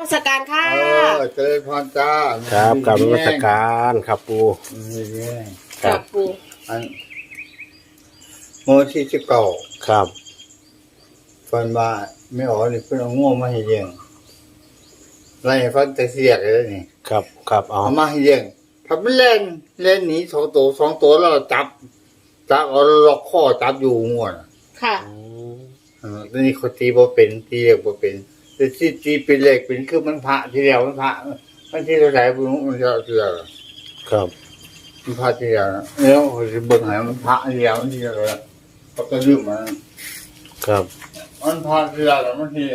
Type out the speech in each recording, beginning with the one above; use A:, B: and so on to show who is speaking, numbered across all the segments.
A: สการค่ะ
B: เจริญพรจ้า
C: ครับกราบนมัสการครับปู
A: ครับปู
B: อันโมที่19
C: ครับ
B: ฟันว่าไม่ออกนี่เพิ่นเอาง่วงมาให้เลี้ยงไล่ฟันแต่เสียกเลยนี่
C: ครับเอา
B: มาให้เลี้ยงถ้ามันเล่นหนี2 ตัวแล้วจับเอาล็อกคอจับอยู่ง่วง
A: ค่ะ
B: ตอนนี้เขาตีบ่เป็นตีเรียกบ่เป็นแต่ที่ตีเป็นเลขเป็นคือมันพระที่แล้วมันพระมันที่เท่าไหร่บ่รู้มันจะเชื่อ
C: ครับ
B: มันพระที่แล้วแล้วเขาสิเบิ่งให้มันพระที่แล้วมันที่แล้วก็ลืมมัน
C: ครับ
B: มันพระที่แล้วมันที่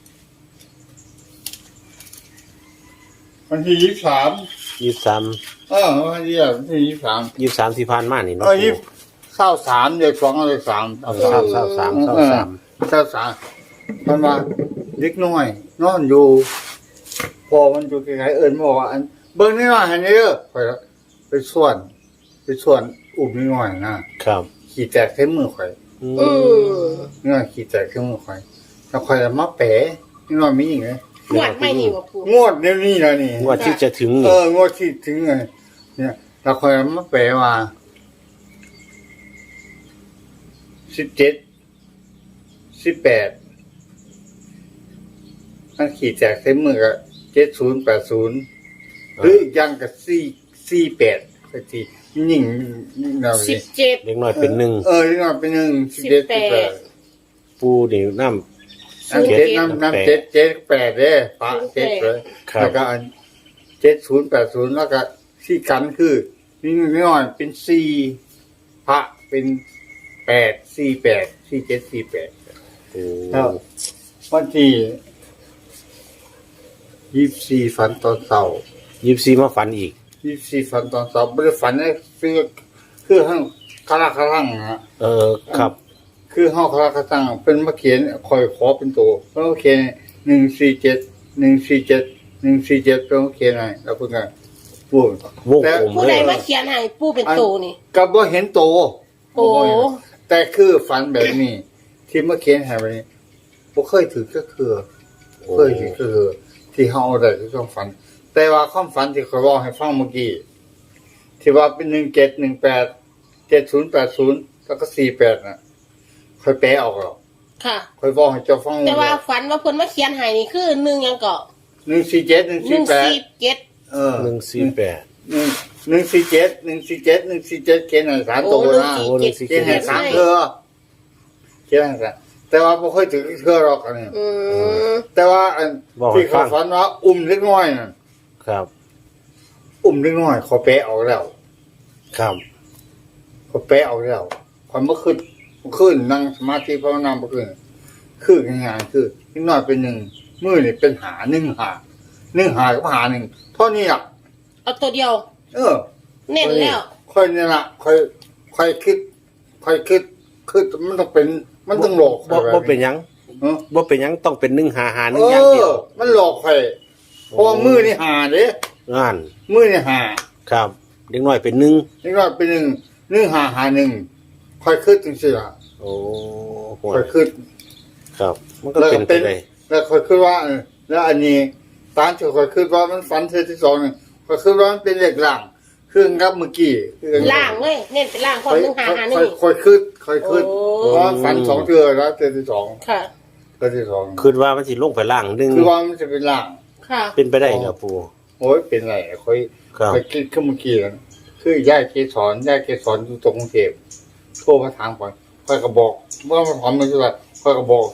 B: วันที่23วันที่23
C: ที่ผ่านมานี่เนาะ
B: 23เดือน2เดือน3มันมาเล็กน้อยนอนอยู่พอมันอยู่ไกลๆเอิ้นบอกว่าอันเบิ่งนิดหน่อยให้เด้อไปส่วนอุ้มนิดหน่อยนะครับขี้แตกใส่มือข่อยนี่ว่าขี้แตกใส่มือข่อยแล้วข่อยมาแปะนิดหน่อยมีอีกมั้ย
A: งวดไม่นี่บ่ปู่
B: งวดเดี๋ยวนี้ล่ะนี่
C: งวดที่จะถึง
B: งวดที่ถึงเนี่ยแล้วข่อยมาแปะว่า17 18มันขี่แจกใช้มือก็7080หรือยังก็48สักทียิ่งเรา
A: 17
C: เล็กน้อยเป็น1
B: เล็กน้อยเป็น1 17
C: ปูนี่น้ำ
B: 7 8เด้ฝา7เลยแล้วก็7080แล้วก็ที่กันคือนี่น้อยเป็น4พระเป็น8 48 47 48แล้ววันที่24ฝันตอนเช้า
C: 24มาฝันอีก
B: 24ฝันตอนเช้าบ่ได้ฝันคือห้างคาราคารัง
C: ครับ
B: คือห้องคาราคารังเป็นมาเขียนคอยขอเป็นตัวแล้วเขียน147เป็นเขียนให้แล้วเพิ่นก็พูด
C: แต่
A: ผู้ใดมาเขียนให้ปู่เป็นโตนี่
B: ก็บ่เห็นโต
A: โอ้
B: แต่คือฝันแบบนี้ที่มาเขียนให้แบบนี้บ่เคยถือก็คือเคยถือคือที่เฮาได้ที่ต้องฝันแต่ว่าความฝันที่ข้อยบอกให้ฟังเมื่อกี้ที่ว่าเป็น1718 7080แล้วก็48น่ะค่อยแปลออกแล้ว
A: ค่ะ
B: ค่อยบอกให้เจ้าฟัง
A: แต่ว่าฝันว่าเพิ่นมาเขียนให้นี่คือ1หยังก็
B: 147
A: 147
B: เขียนให้3ตัวนะเขียนให้3เทื่อเขียนให้แต่ว่าบ่ค่อยถึงเทื่อหรอกอันนี้แต่ว่าอันที่เขาฝันว่าอุ้มเล็กน้อยน่ะ
C: ครับ
B: อุ้มเล็กน้อยเขาแปะออกแล้ว
C: ครับ
B: เขาแปะออกแล้วความเมื่อคืนนั่งสมาธิภาวนาเมื่อคืนคือง่ายๆคือเล็กน้อยเป็น1มือนี่เป็นหา1หากับหา1เท่านี้อ่ะ
A: เอาตัวเดียวเน้นแล้ว
B: ค่อยนี่ล่ะค่อยคิดมันต้องเป็นมันต้องหลอก
C: บ่เป็นหยังบ่เป็นหยังต้องเป็น1 5 5 1อย่างเดียว
B: มันหลอกข่อยเพราะมือนี่หาเด้
C: นั่น
B: มือนี่หา
C: ครับเด็กน้อยเป็น1
B: เด็กน้อยเป็น1 5 5 1ค่อยคิดจังซี่ล่ะ
C: โอ้
B: ค่อยคิด
C: ครับมันก็เป็นไปได้
B: แล้วค่อยคิดว่าแล้วอันนี้ตามที่ค่อยคิดว่ามันฝันเทื่อที่2นี่ค่อยคิดว่ามันเป็นเลขล่างคือครับเมื่อกี้
A: ล่างเว้ยเน้นเป็นล่างความ1 5 5 1
B: ค่อยคิดเพราะฝัน2เทื่อแล้วเทื่อที่2
A: ค่ะ
B: เทื่อที่2
C: คิดว่ามันสิลงไปล่างนึง
B: คือว่ามันจะเป็นล่าง
A: ค่ะ
C: เป็นไปได้ครับปู่
B: โอ้ยเป็นไรค่อยคิดขึ้นเมื่อกี้แล้วคืย่าเกสรอยู่ตรงกรุงเทพโทรมาถามก่อนค่อยก็บอกว่ามันถามมันคืออะไรค่อยก็บอก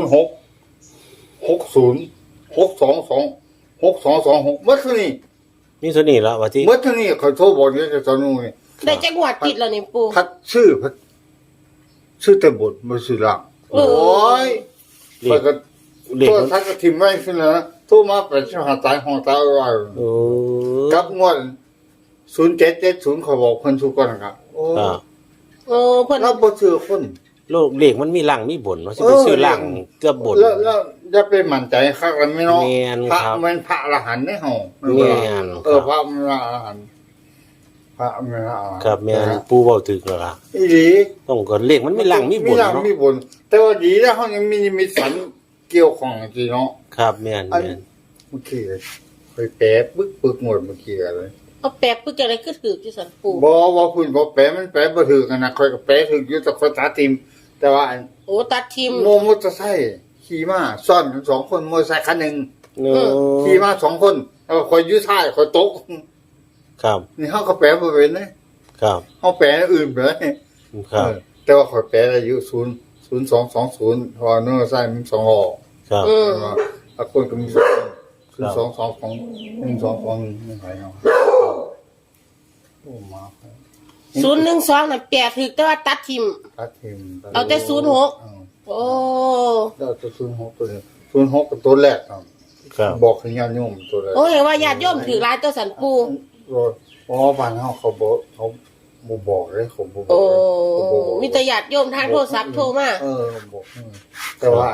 B: 0660622622เมื่อคืนนี้
C: นี่ตัวนี้แล้วว่าที่
B: เมื่อคืนนี้เขาโทรบอกนี่จะสอนนู่นนี่
A: ได้จังหวัดติดแล้วนี่ปู่
B: พัดชื่อแต่บทบ่ชื่อล่างโอ้ยค่อยก็ตัวทักก็ทิ่มไว้ขึ้นแล้วโทรมาเป็นชหาตายห้องตายว่ากับงวด0770เขาบอกเพิ่นทุกคนนะครับ
A: โอ้เพิ่น
B: เราบ่ชื่อคน
C: โลกเลขมันมีล่างมีบนว่าสิไปซื้อล่างเกือบบน
B: แล้วอย่าไปมั่นใจคักแล้วแม่เนาะพระมันพระอรหันต์ได้เฮาพระมันอรหันต์พระมันอรหันต์
C: ครับแม่นปู่เว้าถึกแล้วล่ะ
B: อีหลี
C: ต้องก็เลขมันมีล่างมีบนเนาะ
B: มีบนแต่ว่าดีแล้วเฮายังมีฝันเกี่ยวของจริงเนาะ
C: ครับแม่น
B: เมื่อกี้ค่อยแปะปึกหมดเมื่อกี้อะไร
A: เอาแปะปึ๊กจังได๋คือถือที่สันปู
B: บ่ว่าคุณบ่แปะมันแปะบ่ถือกันนะค่อยก็แปะถืออยู่แต่ค่อยตาติมแต่ว่า
A: โอ้ตัดทิม
B: มอเตอร์ไซค์ขี่มาซ่อนกัน2คนมอเตอร์ไซค์คันหนึง
C: โอ้
B: ขี่มา2คนแล้วค่อยอยู่ท้ายค่อยตก
C: ครับ
B: นี่เฮาก็แปะบ่เป็นนะครับ เฮาแปะอันอื่นไปเลย
C: ครับ
B: แต่ว่าค่อยแปลอายุ0220เพราะว่าเนื้อไส้มัน2ล้อ
C: ครับ
B: ถ้าคนก็มี0222 1221ไม่หายเอาโอ้มา
A: 012น่ะแปะถือแต่ว่าตัดทิม
B: ตัดทิม
A: เอาแต่06 โอ้
B: แล้วตัว06ตัวนี้06กับตัวแรกครับ
C: ครับ
B: บอกให้ญาติโยมตัวแรก
A: โอ้เห็นว่าญาติโยมถือหลายตัวสันปู
B: เพราะบ้านเฮาเขาบ่บอกเลยเขาบ่บ
A: โอ้
B: อกเขาบ่บอก
A: มีแต่ญาติโยมทางโทรศัพท์โทรมา
B: บอกแต่ว่า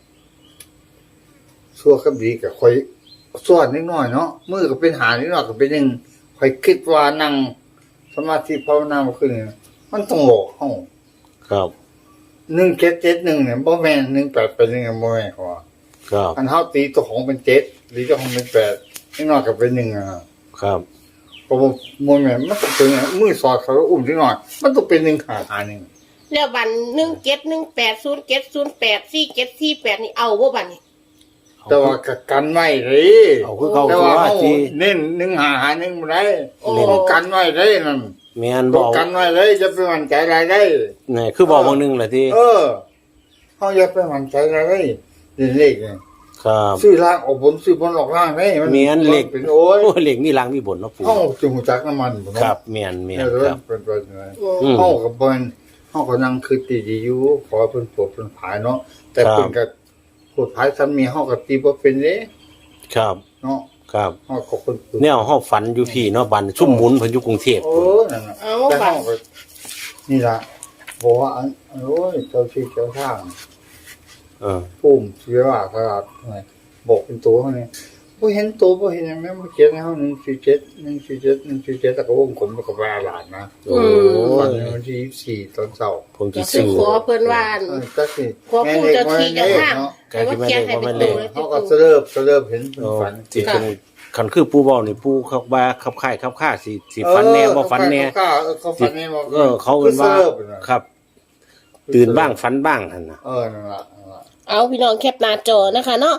B: ชั่วกับดีก็ค่อยส่วนนิดหน่อยเนาะมือก็เป็นหานิดหน่อยก็เป็นนึงค่อยคิดว่านั่งสมาธิภาวนาบ่ขึ้นนี่มันต้องหลอกเฮา
C: ครับ
B: 1771เนี่ยบ่แม่น18เป็นยังไงบ่แม่นเขาว่า
C: ครับ
B: อันเฮาตีตัวของเป็น7หรือตัวของเป็น8นิดหน่อยก็เป็น1อ่ะ
C: ครับ
B: เพราะว่าบ่แม่นมันต้องเป็นมือสอดเขาอุ้มนิดหน่อยมันต้องเป็น1หา1
A: แล้วบัน171807484748นี่เอาบ่บัดนี้
B: แต่ว่าก็กันไว้เลย
C: เอาคือเขา
B: แต่
C: คือ
B: ว่า
C: ว่า
B: เฮา
C: ที่
B: เน้น1 บ่ได้
A: โอ้
B: เฮากันไว้ได้นั่น
C: แม่น
B: ต้
C: บ่
B: องกันไว้เลยจะไปหวั่นใจอะไรได้
C: นี่คือบอกบางนึงแหละที่
B: เขาอย่าไปหวั่นใจอะไรได้เลขเนี่ย
C: ครับ
B: ซื้อล่างออกบนซื้อบนออกล่างได้
C: แม่นเลข
B: เป็นโอ้ย
C: โอ้เหล็กนี่ล้างมีบนเนาะปู่
B: เขาจะหูจักน้ำมันผม
C: ครับแม่น
B: เนี่ย
C: ครับ
B: เป็นเป็นอะไร
C: อืม
B: เขากับเปิ้นเขาก็นั่งคือตีดีอยู่ขอเพิ่นโปรดเพิ่นผายเนาะแต่
C: ครับ
B: เพิ่นก็โปรดผายซ้ำมีเขาก็ตีบ่เป็นเด้
C: ครับ
B: เนาะ
C: ครับ
B: เขาก็เพิ่น
C: แนวเฮาฝันอยู่พี่เนาะบันซุ่มหมุนเพิ่นอยู่กรุงเทพ
B: โอ้นั่นน่ะ
A: เอา
B: แต่
A: บัด
B: เขาก็นี่ล่ะบอกว่าโอ้ยเจ้าที่เจ้าทาง
C: เออ
B: ปุ่มเสียว่าตลาดไงบอกเป็นตัวเขาเนี่ยบ่เห็นตัวบ่เห็นหยังแม่บ่เขียนให้เฮา147แต่ก็วงกลมแล้วก็ว่าหลานนะ
C: โอ้
B: วัน
C: ย
B: วันที่24ตอนเช้า
C: ผมสิ
A: ก็คือ
C: ซื้อ
A: ขอเพิ่นว่าอั่น
B: ก็สิ
A: ขอผู้เจ้าที่เจ้าทาง
B: เนาะ
A: ให้ว่าเขียนให้เป็นตัวเลย
B: เขาก็เสริบเห็นเป็น
C: โอ้
B: ฝัน
C: สิเป็นคันคือปู่เว้านี่ปู่เขาว่าขับค่ายขับค่าสิฝันแน่บ่ฝันแน่
B: เขาฝันแน่บ่
C: เขาเอิ้นว่าครับ ตื่นบ้างฝันบ้างหั่นน่ะ
B: นั่นล่ะ
A: เอาพี่น้องแคปหน้าจอนะคะเนาะ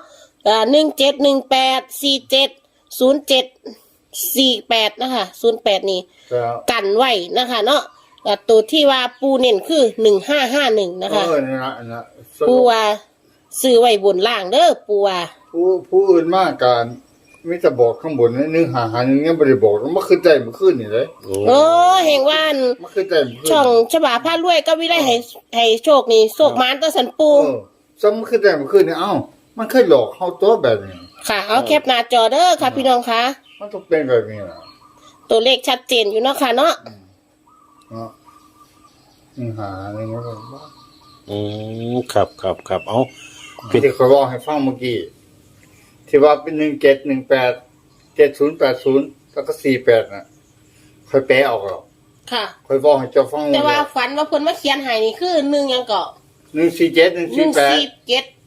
A: 1718470748นะคะ08นี่
B: แล้ว
A: กันไว้นะคะเนาะตัวที่ว่าปูเน้นคือ1551นะคะ
B: นั่นล่ะ
A: ปูว่าซื้อไว้บนล่างเด้อปูว่า
B: ผู้อื่นมากการมีแต่บอกข้างบนนึงหานึงยังบ่ได้บอกมันคือใจมันขึ้นนี่เลย
C: โอ้
A: โอ้เห็นว่าอัน
B: มันคือใจมันขึ้น
A: ช่องฉบาผ้ารวยก็วิได้ให้โชคนี่โชคมานตัวสันปู
B: ซ้ำคือใจมันขึ้นนี่มันเคยหลอกเฮาตัวแบบนี้
A: ค่ะ เอาแคปหน้าจอเด้อค่ะพี่น้องคะ
B: มันต้องเป็นแบบนี้ล่ะ
A: ตัวเลขชัดเจนอยู่เนาะค่ะเนาะ
B: เนาะหานึงมันก็
C: อืมครับเอา
B: ที่เขาบอกให้ฟังเมื่อกี้ที่ว่าเป็น1718 7080แล้วก็48น่ะค่อยแปลออกหรอก
A: ค่ะ
B: ค่อยบอกให้เจ้าฟัง
A: แต่ว่าฝันว่าเพิ่นมาเขียนให้นี่คือ1ยังเกาะ
B: 147 148
A: 147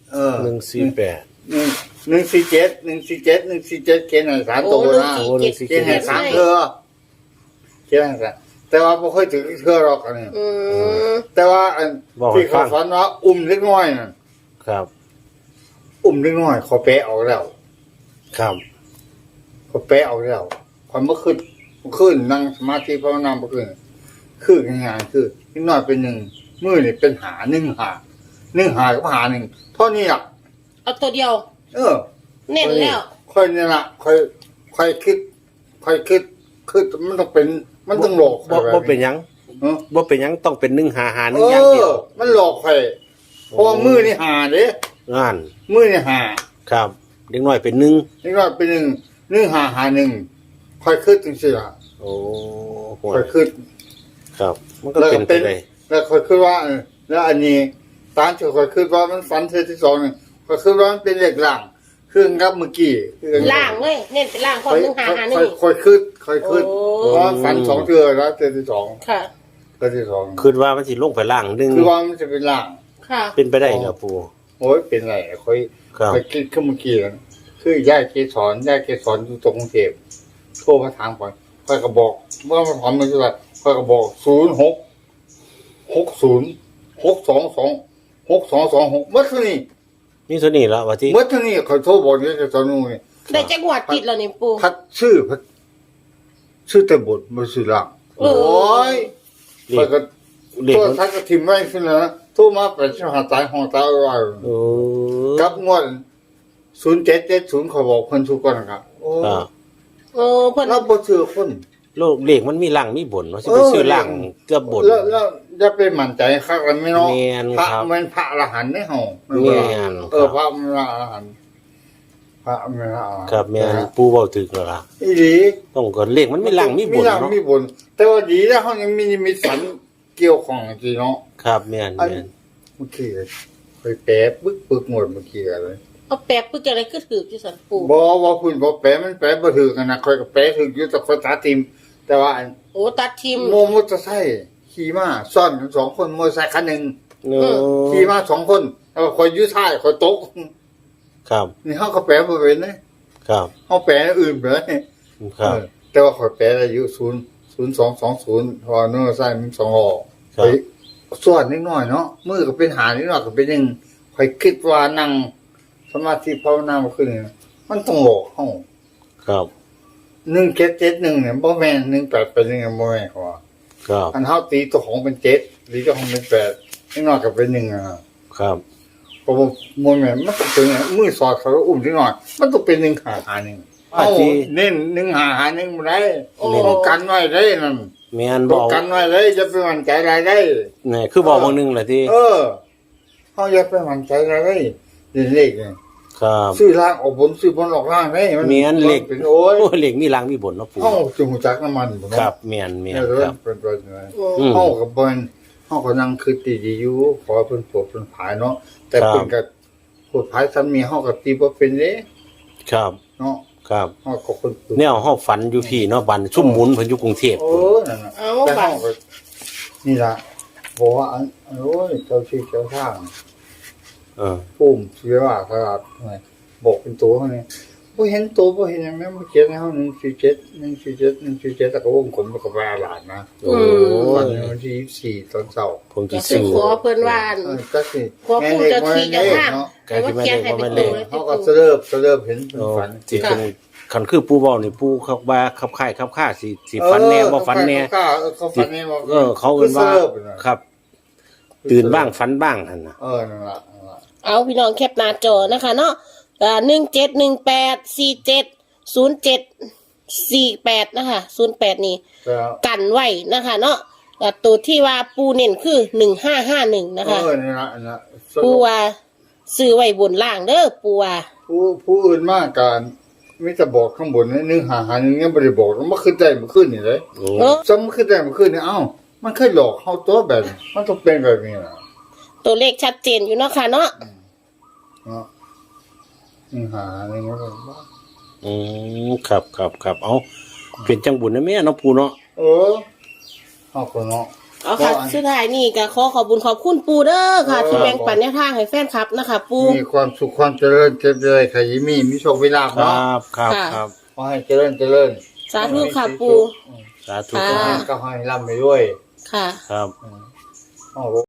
C: 148
B: 147เขียนให้3ตัวนะ
C: โอ้
B: เขียนให้3เทื่อเขียนให้3แต่ว่าบ่ค่อยถึงเทื่อหรอกอันนี้
A: อืม
B: แต่ว่าอันที่เขาฝันว่าอุ้มเล็กน้อยน่ะ
C: ครับ
B: อุ้มเล็กน้อยเขาแปลออกแล้ว
C: ครับ
B: เขาแปลออกแล้วความเมื่อคืนนั่งสมาธิภาวนาเมื่อคืนคือง่ายๆคือนิดหน่อยเป็นหนึ่งมือนี่เป็นหาหนึ่งหากับหาหนึ่งเท่านี้อ่ะ
A: เอาตัวเดียว เน้นแล้ว
B: ค่อยนี่ละค่อยคิดมันต้องเป็นมันต้องหลอก
C: บ่เป็นหยัง
B: เออ
C: บ่เป็นหยังต้องเป็น155นึงอย่างเดียว
B: มันหลอกใครเพราะว่ามือนี่หาเด้
C: งาน
B: มือนี่หา
C: ครับเด็กน้อยเป็น1
B: นิดหน่อยเป็นหนึ่งหาหนึ่งค่อยคิดจังซี่ล่ะ
C: โอ้โห
B: ค่อยคิด
C: ครับ มันก็เป็นไปได้
B: แล้วค่อยคิดว่าแล้วอันนี้ตามที่ค่อยคิดว่ามันฝันเธอที่สองนี่ค่อยคิดว่ามันเป็นเลขล่างเครื่องกับเมื่อกี้
A: ล่างเลยเน้นเป็นล่างความ155นี่
B: ค่อยคิด
A: โอ้
B: เพราะฝันสองเทื่อแล้วเทื่อที่สอง
A: ค่ะ
B: เทื่อที่สอง
C: คิดว่ามันสิลงไปล่างนึง
B: คือว่ามันจะเป็นล่าง
A: ค่ะ
C: เป็นไปได้ครับปู่
B: โอ้ยเป็นไรค่อย
C: ครับ
B: คิดขึ้นเมื่อกี้แล้วคคือย่าเกสรอยู่ตรงกรุงเทพโทรมาถามก่อนค่อยก็บอกว่ามันถอนมันเท่าไหร่ค่อยก็บอก0660622622เมื่อเท่านี้
C: นี่ตัวนี้ละว่าที่
B: เมื่อเท่านี้เขาโทรบอกอยู่กับตอนนู้น
A: ได้จักงวดติดแล้วนี่ปู
B: พัดชื่อแต่บทมาสื่อหลังโอ้ย
C: เล
B: ค่อย
C: ข
B: ก็
C: เลข
B: ตัว
C: มัน
B: ทักก็ทิมไว้ขึ้นแล้วนะโทรมาเป็นชาตายห้องตายอะไร
C: โอ้
B: กับงวด0770เขาบอกเพิ่นทุกคนนะครับโอ้
C: ครับ
A: โอ้เพิ่น
B: เราบ่เชื่อคน
C: โลกเลขมันมีหลังมีบนว่าสิไปซื้อหลังเกือบบน
B: แล้วจะไปมั่นใจคักแล้วไม่เนาะ
C: แม่น
B: พระ
C: ครับ
B: มันพระอรหันต์ได้เฮา
C: แม่น
B: พระมันอรหันต์พระมันอรหันต์
C: ครับแม่นปูเว้าถึกแล้วล่ะ
B: อีหลี
C: ต้องก็เลขมันมีหลังมีบน
B: หลัง
C: เนาะ
B: มีบน แต่ว่าดีแล้วเฮายังมีนิมิตฝันเกี่ยวของจริงเนาะ
C: ครับแม่น
B: อัน
C: แม่น
B: เมื่อกี้ไปแปะปึกหมดเมื่อกี้อะไร
A: เอาแปลกปึ๊กจังได๋คือถืออยู่ซั่นปู
B: บ่ว่าคุณบ่แปะมันแปะบ่ถูกกันนะค่อยก็แปะถูกอยู่แต่ค่อยตาติมแต่ว่าอัน
A: โอ้ตัดทิม
B: โมมอเตอร์ไซค์ขี่มาซ่อนกัน2คนมอเตอร์ไซค์คันหนึง
C: โอ้
B: ขี่มา2คนแล้วก็ค่อยอยู่ท้ายค่อยตก
C: ครับ
B: นี่เฮาก็แปะบ่เป็นนะครับ เฮาแปะอื่นไปเลย
C: ครับ
B: แต่ว่าค่อยแปะอายุ0220เพอมอเตอร์ไซค์มัน2ล้อ
C: ครับ
B: ไปส่วนนิดหน่อยเนาะมือก็เป็นหานิดหน่อยก็เป็น1ค่อยคิดว่านั่งสมาธิภาวนาบ่ขึ้นนี่มันต้องหลอกเฮา
C: ครับ
B: 1771เนี่ยบ่แม่น18เป็นยังบ่แม่นเขาว่า
C: ครับ
B: อันเฮาตีตัวของเป็น7ตีตัวของเป็น8นิดหน่อยก็เป็น1อ่ะ
C: ครับ
B: เพราะว่าบ่แม่นมันต้องเป็นมือสอดเขาอุ้มนิดหน่อยมันต้องเป็น1หา1เอาเน้น1หา1บ่ได้ต้องกันไว้ได้นั่น
C: แม่น
B: ต้
C: บ
B: อง
C: อก
B: กันไว้ได้จะไปมั่นใจอะไรได้
C: นี่คือบอกบางหนึงแหละที่
B: เฮาอย่าไปมั่นใจอะไรได้เลขนี่
C: ครับ
B: ซื้อล่างออกบนซื้อบนออกล่างได้มัน
C: แม่นเลข
B: เป็นโอ้ย
C: โอ้เลขมีหลังมีบนเนาะปู
B: เฮาจะฮู้จักน้ำมันบ่
C: ค
B: เนาะ
C: รับแม่นแม่น
B: เนี่ย
C: ครับ
B: เป็นตัวยังไง
C: อืม
B: เฮากับเพิ่นเฮาก็นั่งคิดดีๆอยู่ขอเพิ่นโปรดเพิ่นผายเนาะแต่
C: ครับ
B: เพิ่นก็โปรดผายซ้ำนี้เฮาก็ตีบ่เป็นเด้
C: ครับ
B: เนาะ
C: ครับ
B: เฮาก็คนปลูก
C: แนวเฮาฝันอยู่พี่เนาะบันซุ่มหมุนเพิ่นอยู่กรุงเทพ
B: โอ้
C: พุ่น
B: นั่นน่ะ
A: เอา
B: แต่
A: บั
B: เฮา
A: ด
B: ก็นี่ล่ะบอกว่าโอ้ยเจ้าที่เจ้าทาง
C: เออ
B: ปุ้มเสียว่าครับบอกเป็นตัวเขาเนี่ยบ่เห็นตัวบ่เห็นหยังแม่บ่เขียนให้เฮา147แต่ก็วงกลมแล้วก็ว่าหลานนะ
C: โอ้
B: วัน
C: ย
B: วันที่24ตอนเช้า
C: ผมสิ
A: ก็สิ
C: ซื้อ
A: ขอเพิ่นว่าอั่น
B: ก็สิ
A: ขอผู้เจ้าที่เจ้าทาง
B: เนาะ
A: ให้ว่าเขียนให้เป็นตัวเลย
B: เขา
A: ที่
B: ก็
A: ปู
B: เสลิบเห็นเป็น
C: โอ้
B: ฝัน
C: สิเป็นคันคือปูเว้านี่ปูเขาว่าขับค่ายขับค่าสิฝันแน่บ่ฝันแน่
B: เขาฝันแน่บ่
C: เขาเอิ้นว่า
B: คือเสลิบน่ะ
C: ครับ ตื่นบ้างฝันบ้างหั่นน่ะ
B: นั่นล่ะนั่นล่ะ
A: เอาพี่น้องแคปหน้าจอนะคะเนาะ1718470748นะคะ08นี่
B: แล้ว
A: กันไว้นะคะเนาะตัวที่ว่าปูเน้นคือ1551นะคะ
B: นั่นล่ะนั่นล่ะ
A: ปูว่าซื้อไว้บนล่างเด้อปูว่า
B: ผู้อื่นมากการมีแต่บอกข้างบนนี่1 5 5 1ยังบ่ได้บอกมันขึ้นได้มันขึ้นนี่เลย
C: โอ้
A: เออ
B: ซ้ำขึ้นได้มันขึ้นนี่เอ้ามันเคยหลอกเฮาตัวแบบนี้มันต้องเป็นแบบนี้น่ะ
A: ตัวเลขชัดเจนอยู่เนาะค่ะเนาะ
B: เนาะ1 5 1มันก็ว่า
C: อืมครับเอาเป็นจังบุญนะแม่เนาะปูเนาะ
B: เฮาก็เนาะ
A: เอาค่ะสุดท้ายนี่ก็ขอขอบคุณปูเด้อค่ะ ที่แบ่งปันแนวทางให้แฟนคลับนะคะ ปู
B: มีความสุขความเจริญเจ็บเลยขยิมีโชคมีลาภ
C: ครั
B: เนาะ
C: บครับ
A: ค่ะ
C: ครับ
B: ขอให้เจริญเจริญ
A: สาธุค่ะปู
C: สาธุ
A: ค่ะ
C: ครับ
B: ก็ให้ร่ำไปด้วย
A: ค่ะ
C: ครับ
B: อ๋อ